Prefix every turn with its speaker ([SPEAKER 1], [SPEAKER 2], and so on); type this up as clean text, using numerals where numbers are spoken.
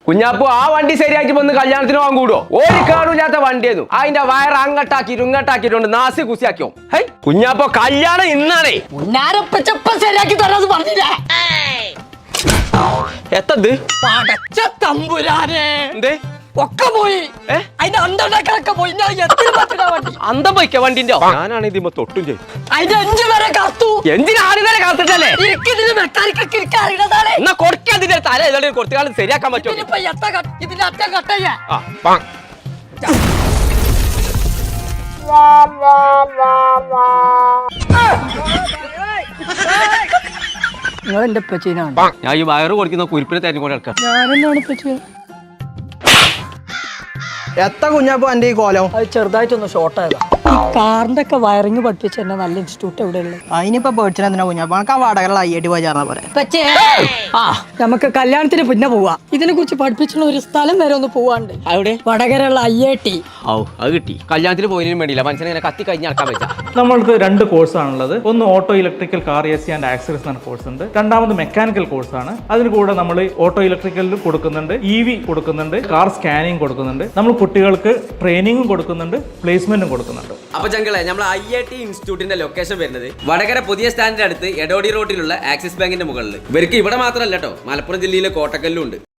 [SPEAKER 1] കുഞ്ഞാപ്പോ ആ വണ്ടി ശരിയാക്കി വന്ന് കല്യാണത്തിന് പോകാൻ കൂടുവോ? ഒരു കാണൂല്ലാത്ത വണ്ടിയായിരുന്നു. അതിന്റെ വയർ അങ്ങട്ടാക്കിയിട്ട് ഇങ്ങട്ടാക്കിയിട്ടുണ്ട് നാസി കുസിയാക്കിയോ. ഹൈ കുഞ്ഞാപ്പോ കല്യാണം ഇന്നാണേ.
[SPEAKER 2] ശരിയാക്കി തരാന്ന് പറഞ്ഞില്ലേ?
[SPEAKER 1] എത്തത്
[SPEAKER 2] പടച്ച തമ്പുരാനെ
[SPEAKER 1] എന്തേ
[SPEAKER 2] ഒക്കെ പോയി. അതിന്റെ അന്തണ്ടാക്കളൊക്കെ പോയി.
[SPEAKER 1] അന്തം പോയിക്ക വണ്ടിന്റെ. ഞാനാണ് ഇതിമ്മ തൊട്ടും ചെയ്യും.
[SPEAKER 2] അതിന്റെ 5 വരെ കത്തു.
[SPEAKER 1] എന്തിനാ ആദ്യം വരെ കാത്തിട്ടല്ലേ?
[SPEAKER 2] ഇതിന് മെക്കാനിക്കൊക്കെ ഇരിക്കാൻ അറിയണതാണ്.
[SPEAKER 1] എന്നാ കൊടുക്കാതിന്റെ തല ഏതാണ്ട് കുറച്ചു കാലം ശരിയാക്കാൻ പറ്റുമോ?
[SPEAKER 2] ഇതിന്റെ അറ്റം കട്ടയ്യ. നിങ്ങൾ എന്റെ പച്ചീനാണ്.
[SPEAKER 1] ഞാൻ ഈ വയറ് കൊടുക്കുന്ന കുരിപ്പിനെ തെരഞ്ഞുകൊണ്ട് നടക്കാം.
[SPEAKER 2] ഞാനെന്നാണ് പച്ചീ.
[SPEAKER 3] എത്ര കുഞ്ഞാപ്പോ എന്റെ ഈ കോലം?
[SPEAKER 2] അത് ചെറുതായിട്ടൊന്ന് ഷോർട്ട് ആയതാ. കാറിന്റെ ഒക്കെ വയറിങ് പഠിപ്പിച്ച എന്നെ നല്ല ഇൻസ്റ്റിറ്റ്യൂട്ട് എവിടെയുള്ളത്?
[SPEAKER 3] അതിനിപ്പോ പേടിച്ചാ എന്തിനാ കുഞ്ഞാപ്പോ? എനിക്ക് ആ വാടകയുള്ള IIT പോയി ചേർന്നാ പോലെ.
[SPEAKER 2] നമുക്ക് കല്യാണത്തിന് പിന്നെ പോവാ. ഇതിനെ കുറിച്ച് പഠിപ്പിച്ചുള്ള ഒരു സ്ഥലം വരെ ഒന്ന് പോവാണ്ട്.
[SPEAKER 1] അവിടെ
[SPEAKER 2] വടകരയുള്ള IIT.
[SPEAKER 1] അത് കിട്ടി. കല്യാണത്തിന് പോയതിനും വേണ്ടിയില്ല മനുഷ്യനെ ഇങ്ങനെ കത്തി കഴിഞ്ഞ് നടക്കാൻ പറ്റാ.
[SPEAKER 4] നമ്മൾക്ക് 2 കോഴ്സാണുള്ളത്. ഒന്ന് auto electrical car AC and accessories എന്ന കോഴ്സ് ഉണ്ട്. രണ്ടാമത് മെക്കാനിക്കൽ കോഴ്സാണ്. അതിന് കൂടെ നമ്മൾ ഓട്ടോ ഇലക്ട്രിക്കലിൽ കൊടുക്കുന്നുണ്ട്, EV കൊടുക്കുന്നുണ്ട്, കാർ സ്കാനിങ് കൊടുക്കുന്നുണ്ട്. നമ്മൾ കുട്ടികൾക്ക് ട്രെയിനിങ്ങും കൊടുക്കുന്നുണ്ട്, പ്ലേസ്മെന്റും കൊടുക്കുന്നുണ്ട്.
[SPEAKER 5] അപ്പൊ ചങ്കളെ നമ്മൾ IIT ഇൻസ്റ്റിറ്റ്യൂട്ടിന്റെ ലൊക്കേഷൻ വരുന്നത് വടകര പുതിയ സ്റ്റാൻഡിന്റെ അടുത്ത് എടോടി റോഡിലുള്ള ആക്സിസ് ബാങ്കിന്റെ മുകളിൽ. ഇവർക്ക് ഇവിടെ മാത്രമല്ല കേട്ടോ, മലപ്പുറം ജില്ലയിലെ കോട്ടക്കല്ലും ഉണ്ട്.